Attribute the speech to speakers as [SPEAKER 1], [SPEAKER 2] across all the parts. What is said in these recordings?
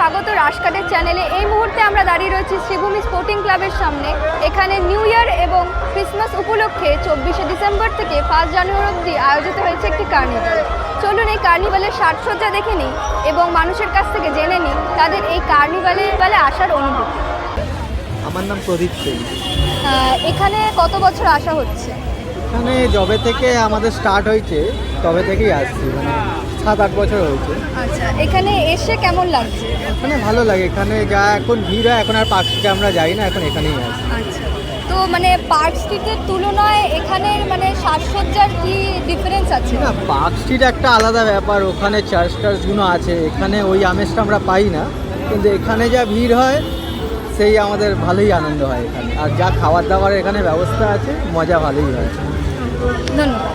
[SPEAKER 1] স্বাগত রাশকাটের চ্যানেলে। এই মুহূর্তে আমরা দাঁড়িয়ে রয়েছি শ্রীভূমি স্পোর্টিং ক্লাবের সামনে। এখানে নিউ ইয়ার এবং ক্রিসমাস উপলক্ষে 24শে ডিসেম্বর থেকে 1 জানুয়ারি অবধি আয়োজিত হয়েছে একটি কার্নিভাল। চলুন এই কার্নিভালের সাজসজ্জা দেখে নিই এবং মানুষের কাছ থেকে জেনে নিই তাদের এই কার্নিভালে আসার অনুভূতি।
[SPEAKER 2] আমার নাম প্রদীপ সিং।
[SPEAKER 1] এখানে কত বছর আসা হচ্ছে?
[SPEAKER 2] এখানে যবে থেকে আমাদের স্টার্ট হয়েছে তবে থেকেই আসছি, মানে 7-8 বছর হয়েছে।
[SPEAKER 1] আচ্ছা, এখানে এসে কেমন লাগছে?
[SPEAKER 2] এখানে ভালো লাগে। এখানে যা এখন ভিড় হয়, এখন আর পার্ক স্ট্রিটে আমরা যাই না, এখন এখানেই আসি।
[SPEAKER 1] আচ্ছা, তো মানে পার্ক স্ট্রিটের তুলনায় এখানের মানে সাজসজ্জার কি ডিফারেন্স আছে?
[SPEAKER 2] না, পার্ক স্ট্রিট একটা আলাদা ব্যাপার, ওখানে চার্চ টার্চগুলো আছে, এখানে ওই আমেজটা আমরা পাই না। কিন্তু এখানে যা ভিড় হয় সেই আমাদের ভালোই আনন্দ হয় এখানে। আর যা খাবার দাবার এখানে ব্যবস্থা আছে, মজা ভালোই হয়।
[SPEAKER 1] ধন্যবাদ।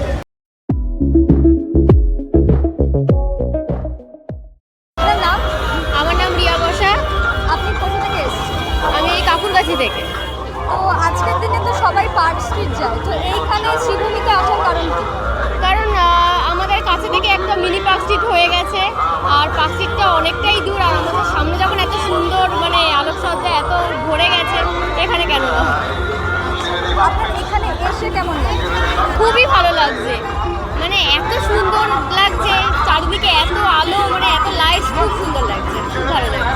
[SPEAKER 1] আপনার নাম?
[SPEAKER 3] আমার নাম রিয়া বসা।
[SPEAKER 1] আপনি কোথা থেকে এসেছেন?
[SPEAKER 3] আমি এই কাকুরগাছি থেকে।
[SPEAKER 1] তো আজকের দিনে তো সবাই পার্ক স্ট্রিট যায়, তো এইখানে শ্রীভূমিতে আসার কারণ কি?
[SPEAKER 3] কারণ আমাদের কাছে থেকে একটা মিনি পার্ক স্ট্রিট হয়ে গেছে, আর পার্ক স্ট্রিটটা অনেকটাই দূর। আর আমাদের সামনে যখন এত সুন্দর মানে আলোকসজ্জা এত ভরে গেছে, এখানে কেন না?
[SPEAKER 1] আপনার এখানে এসে কেমন লাগে?
[SPEAKER 3] খুবই ভালো লাগছে, মানে এত সুন্দর লাগছে, চারিদিকে এত আলো, মানে এত লাইট, খুব সুন্দর লাগছে, খুব ভালো লাগছে।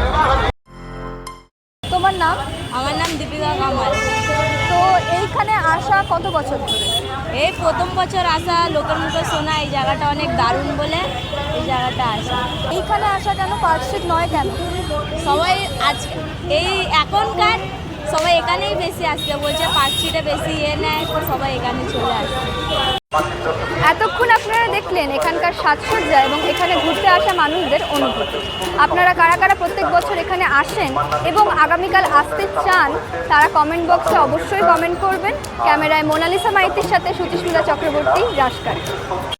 [SPEAKER 1] তোমার নাম?
[SPEAKER 3] আমার নাম দীপিকা কামাল।
[SPEAKER 1] তো এইখানে আসা কত বছর ধরে?
[SPEAKER 3] এই প্রথম বছর আসা, লোকের মুখে শোনা এই জায়গাটা অনেক দারুণ বলে এই জায়গাটা আসা।
[SPEAKER 1] এইখানে আসা কেন, পার্ক স্ট্রিট নয় কেন?
[SPEAKER 3] সবাই আজ এই এখনকার সবাই এখানেই বেশি আসতে বলছে, পার্ক স্ট্রিটে বেশি নেয়, তো সবাই এখানে চলে আসছে।
[SPEAKER 1] এতক্ষণ আপনারা দেখলেন এখানকার সাজসজ্জা এবং এখানে ঘুরতে আসা মানুষদের অনুভূতি। আপনারা কারা কারা প্রত্যেক বছর এখানে আসেন এবং আগামীকাল আসতে চান তারা কমেন্ট বক্সে অবশ্যই কমেন্ট করবেন। ক্যামেরায় মোনালিসা মাইতির সাথে সুচিস্মিতা চক্রবর্তী, রাশকাট।